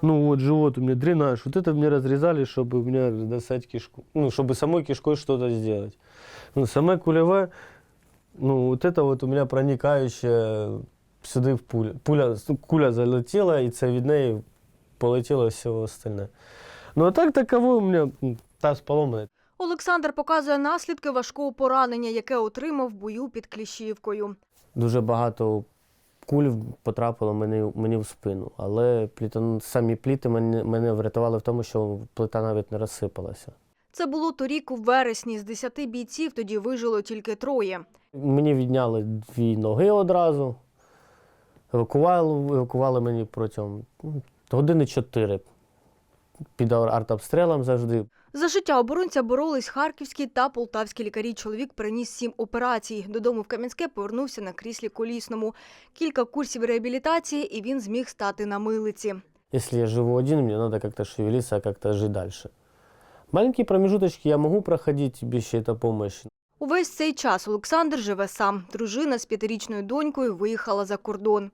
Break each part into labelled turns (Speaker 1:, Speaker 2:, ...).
Speaker 1: Ну вот живот у меня дренаж. Вот это мне разрезали, чтобы у меня достать кишку. Ну, чтобы самой кишкой что-то сделать. Ну, сама кулевая, ну вот это вот у меня проникающая сюда в куля залетела, і це від неї полетіло все остальне. Ну а так таково у мене таз поломаний.
Speaker 2: Олександр показує наслідки важкого поранення, яке отримав в бою під Кліщівкою.
Speaker 1: Дуже багато куль потрапило мені в спину, але самі пліти мене врятували в тому, що плита навіть не розсипалася.
Speaker 2: Це було торік у вересні. З 10 бійців тоді вижило тільки 3.
Speaker 1: Мені відняли 2 ноги одразу, евакували мені протягом години 4 під артобстрілом завжди.
Speaker 2: За життя оборонця боролись харківські та полтавські лікарі. Чоловік переніс 7 операцій. Додому в Кам'янське повернувся на кріслі колісному. Кілька курсів реабілітації, і він зміг стати на милиці.
Speaker 1: Якщо я живу один, мені треба як-то шевелитися, як-то жити далі. Маленькі промежуточки я можу проходити без чиєї допомоги.
Speaker 2: Увесь цей час Олександр живе сам. Дружина з 5-річною донькою виїхала за кордон.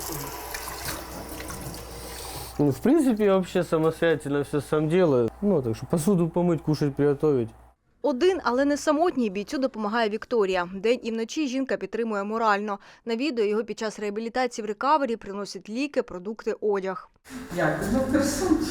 Speaker 1: Ну, в принципе, я вообще самостоятельно все сам делаю. Ну, так что посуду помыть, кушать, приготовить.
Speaker 2: Один, але не самотній, бійцю допомагає Вікторія. День і вночі жінка підтримує морально. Навідує його під час реабілітації в рекавері, приносить ліки, продукти, одяг.
Speaker 3: Як? Ну, красунчик.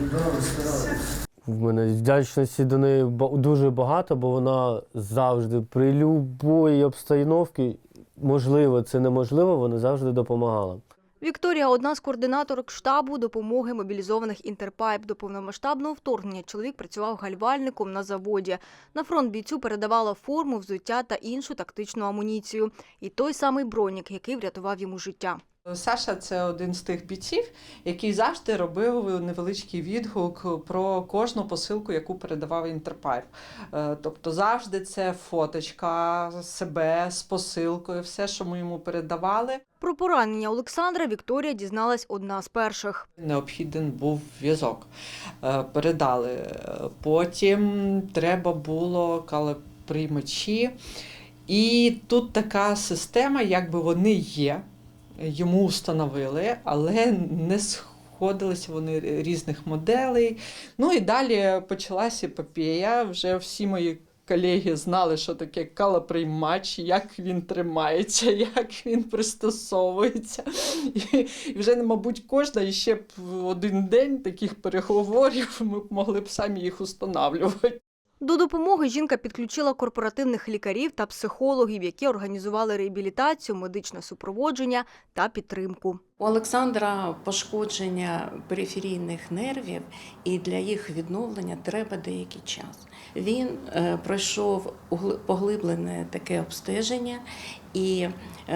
Speaker 1: В мене вдячності до неї дуже багато, бо вона завжди при будь-якій обстановці, можливо, це неможливо, вона завжди допомагала.
Speaker 2: Вікторія – одна з координаторок штабу допомоги мобілізованих «Інтерпайп». До повномасштабного вторгнення чоловік працював гальвальником на заводі. На фронт бійцю передавала форму, взуття та іншу тактичну амуніцію. І той самий бронік, який врятував йому життя.
Speaker 3: Саша – це один з тих бійців, який завжди робив невеличкий відгук про кожну посилку, яку передавав «Інтерпайп». Тобто завжди це фоточка себе з посилкою, все, що ми йому передавали.
Speaker 2: Про поранення Олександра Вікторія дізналась одна з перших.
Speaker 3: Необхіден був в'язок. Передали. Потім треба було калоприймачі. І тут така система, якби вони є. Йому встановили, але не сходилися вони різних моделей. Ну і далі почалася епопея. Вже всі мої колеги знали, що таке калоприймач, як він тримається, як він пристосовується. І вже, мабуть, кожна ще б один день таких переговорів ми могли б самі їх встановлювати.
Speaker 2: До допомоги жінка підключила корпоративних лікарів та психологів, які організували реабілітацію, медичне супроводження та підтримку.
Speaker 4: У Олександра пошкодження периферійних нервів, і для їх відновлення треба деякий час. Він пройшов поглиблене таке обстеження, і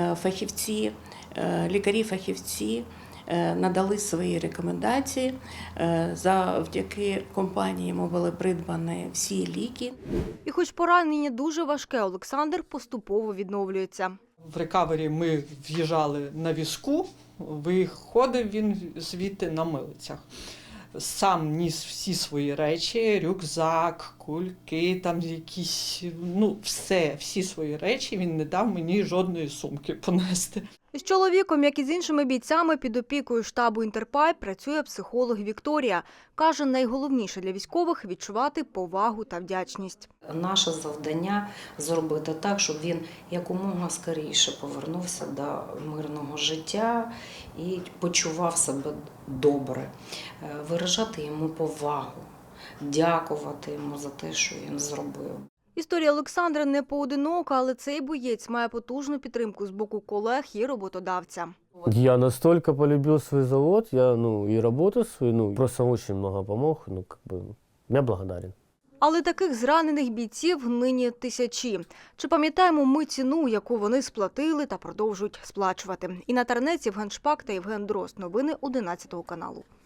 Speaker 4: лікарі-фахівці надали свої рекомендації. Завдяки компанії йому були придбані всі ліки.
Speaker 2: І хоч поранення дуже важке, Олександр поступово відновлюється.
Speaker 3: В рекавері ми в'їжджали на візку, виходив він звідти на милицях. Сам ніс всі свої речі, рюкзак, кульки, там якісь, всі свої речі, він не дав мені жодної сумки понести.
Speaker 2: З чоловіком, як і з іншими бійцями, під опікою штабу «Інтерпайп» працює психолог Вікторія. Каже, найголовніше для військових – відчувати повагу та вдячність.
Speaker 5: Наше завдання – зробити так, щоб він якомога скоріше повернувся до мирного життя і почував себе добре. Виражати йому повагу, дякувати йому за те, що він зробив.
Speaker 2: Історія Олександра не поодинока, але цей боєць має потужну підтримку з боку колег і роботодавця.
Speaker 1: Я настолько полюбил свой завод, и работу свою, просто очень много помог, я благодарен.
Speaker 2: Але таких зранених бійців нині тисячі. Чи пам'ятаємо ми ціну, яку вони сплатили та продовжують сплачувати? Інна Тарнець, Євген Шпак та Євген Дрозд. Новини 11 каналу.